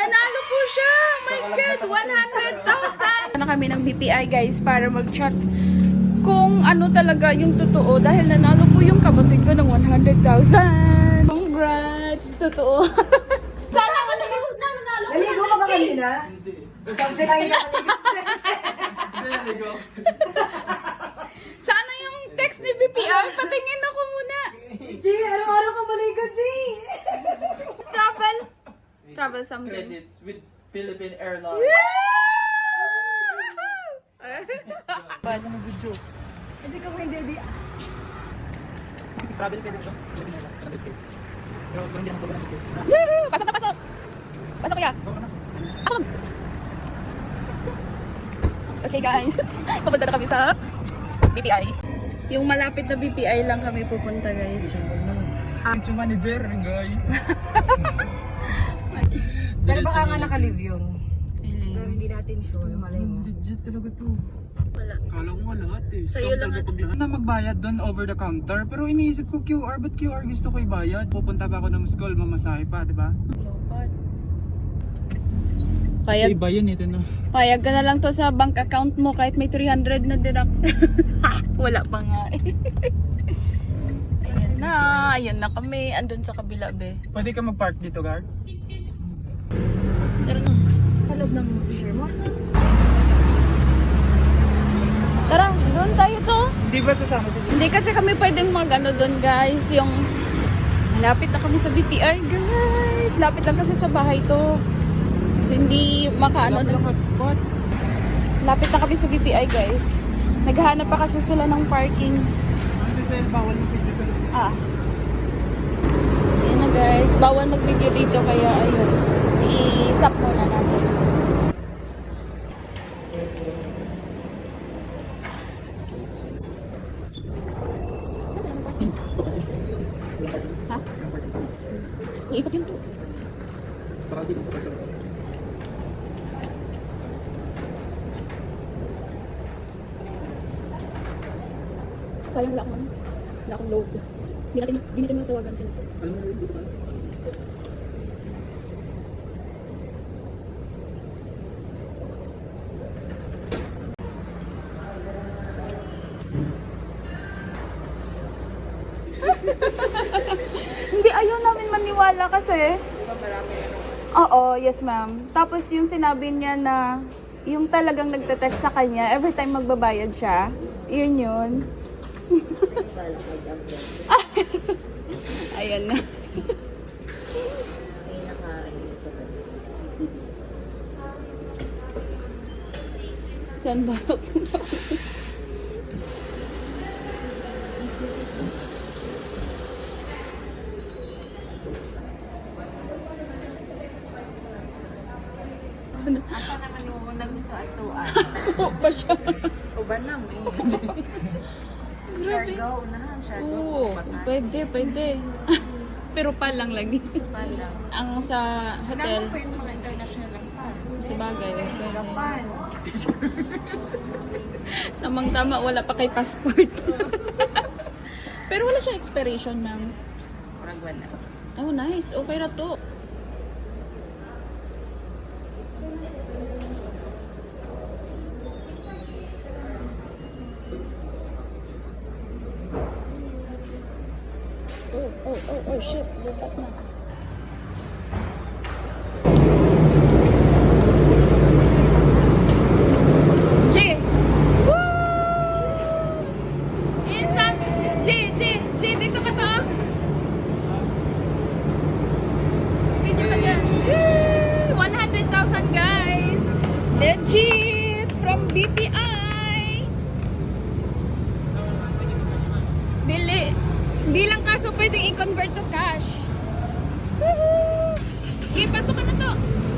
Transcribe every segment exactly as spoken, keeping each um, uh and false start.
Nanalo po siya! My God! one hundred thousand! Na kami ng B P I guys para mag-chat kung ano talaga yung totoo dahil nanalo po yung kapatid ko ng one hundred thousand. Congrats! Totoo. Sana mo sabi mo na nanalo ko. Naligo ka ba kanina? Hindi. Isang sila yung naligo. Hindi naligo. Sana yung text ni B P I. Patingin ako muna. G, araw-araw ka maligo, G. Travel. Travel something. Credits with Philippine Airlines. Paano mo video? Hindi ka pwede, di. Travel pwede siya. Pero hindi naman ito. Woo! Pasok na pasok! Pasok kaya! Ako lang! Okay guys, papunta na kami sa B P I. Yung malapit na B P I lang kami pupunta guys. Ang manager, guy. Pero baka nga nakalive yun. Pero hindi natin sure, malay mo. Legit talaga to. Wala. Kala ko nga lahat eh. Sa'yo Scam lang talaga pag lahat. Na magbayad doon over the counter. Pero iniisip ko Q R, ba't Q R gusto ko ibayad? Pupunta pa ako ng school, mamasahe pa, di ba? Lopad. Sa Payag, iba yun ito no. payag ka na lang to sa bank account mo kahit may three hundred na deduct. Wala pa nga eh. Ayan na, ayan na kami. Andun sa kabila be. Pwede ka mag-park dito, guard? Tara na. Sa loob ng share mo? Tara, doon tayo to. Hindi ba sasama si Hindi kasi kami pwedeng mag ano doon guys. Yung malapit na kami sa B P I guys. Lapit lang kasi sa bahay to. So hindi makaano Wala na. palang hotspot. Lapit na kami sa B P I guys. Naghahanap pa kasi sila ng parking. Ano sa bawal ng pwede sa Ah. Ayan na guys. Bawal mag-video dito kaya ayun. I-stop muna natin. Ha? Iikot yun to. Para di ko pa sa Sayang wala akong ano. Wala akong load. Hindi natin, hindi natin matawagan sila. Alam mo na dito ka? Hindi, ayaw namin maniwala kasi. Oo, yes ma'am. Tapos yung sinabi niya na yung talagang nagte-text sa kanya every time magbabayad siya, yun yun. Ayan na. Saan ba ako? Apa naman yung unang gusto at tuan? Oo pa siya. Uban na mo eh. Share go, unahan. Share go. Oo, pwede, pwede. Pero pa lang lagi. Pala. Ang sa hotel, Kailangan pa yung mga international lang pa. sa bagay. Pwede. Japan. Namang tama, wala pa kay passport. Pero wala siya expiration, ma'am. Parang wala. Oh, nice. Okay na to. Oh, oh, oh, oh, shit. Lupat na. G! Woo! Instant! G, G, G, dito ka to. Video ka dyan. Woo! one hundred thousand guys! Legit! From B P I! Bili! Hindi lang kaso pwedeng i-convert to cash. Woohoo! Sige, pasok ka na to.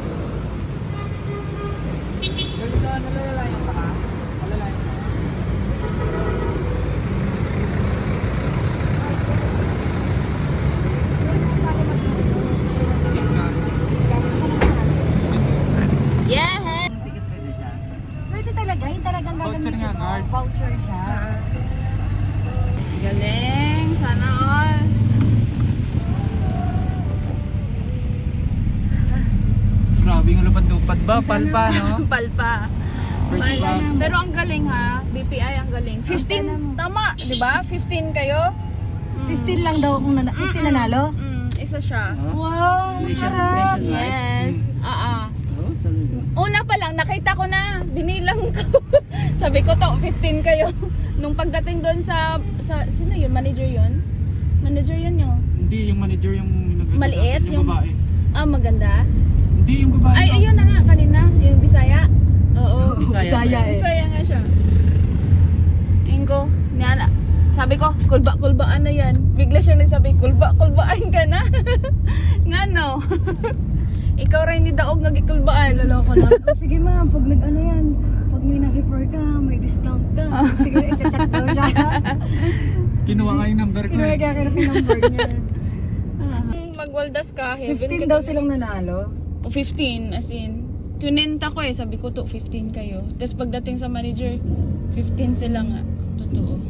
Pero sa nalalayan pa ka? Nalalayan pa. Yeah! Ticket pwede siya? Pwede talaga. Yung talagang Voucher gagamitin nga, mo. guard. Voucher siya. Galing! Sana all! lumipad-lupad ba? Palpa, no? Palpa. First Mal- class. Pero ang galing ha, B P I ang galing. fifteen, tama, di ba? fifteen kayo? Mm. fifteen lang daw kung nana- fifteen nanalo. Mm, isa siya. Wow, sarap. Yes. Ah, ah. Oh, talaga. Una pa lang, nakita ko na, binilang ko. Sabi ko to, fifteen kayo. Nung pagdating doon sa, sa, sino yun? Manager yun? Manager yun yun. Hindi, yung manager yung nag- Maliit? yung, Yung- babae. Ah, maganda. Hindi, yung babae. Ay, no? ayun na nga, kanina. Yung Bisaya. Oo. Bisaya eh. Bisaya nga siya. Ayun ko, niyala. Sabi ko, kulba-kulbaan na yan. Bigla siya nagsabi, kulba-kulbaan ka na. Nga no. Ikaw rin ni Daog nagikulbaan. Loloko lang. Oh, sige ma'am, pag nag-ano yan, pag may na-refer ka, may discount ka. Sige, i-chat daw siya. Kinuha nga yung number ko Kinuha eh. kaya yung number niya. Magwaldas ka, heaven fifteen ka daw talaga. silang nanalo. O fifteen, as in. Tunenta ko eh, sabi ko to, fifteen kayo. Tapos pagdating sa manager, fifteen sila nga. Totoo.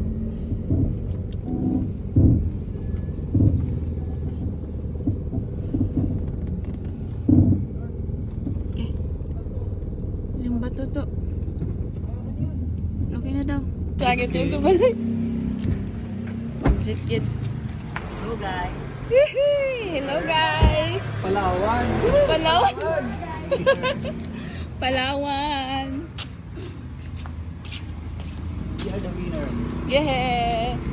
Okay. Yung bato to. Okay na daw. Sakit yung tubalik. Object yun. Hello guys. Yehey! Hello guys! Palawan. Palawan! Palawan! We are the winner. Yeah!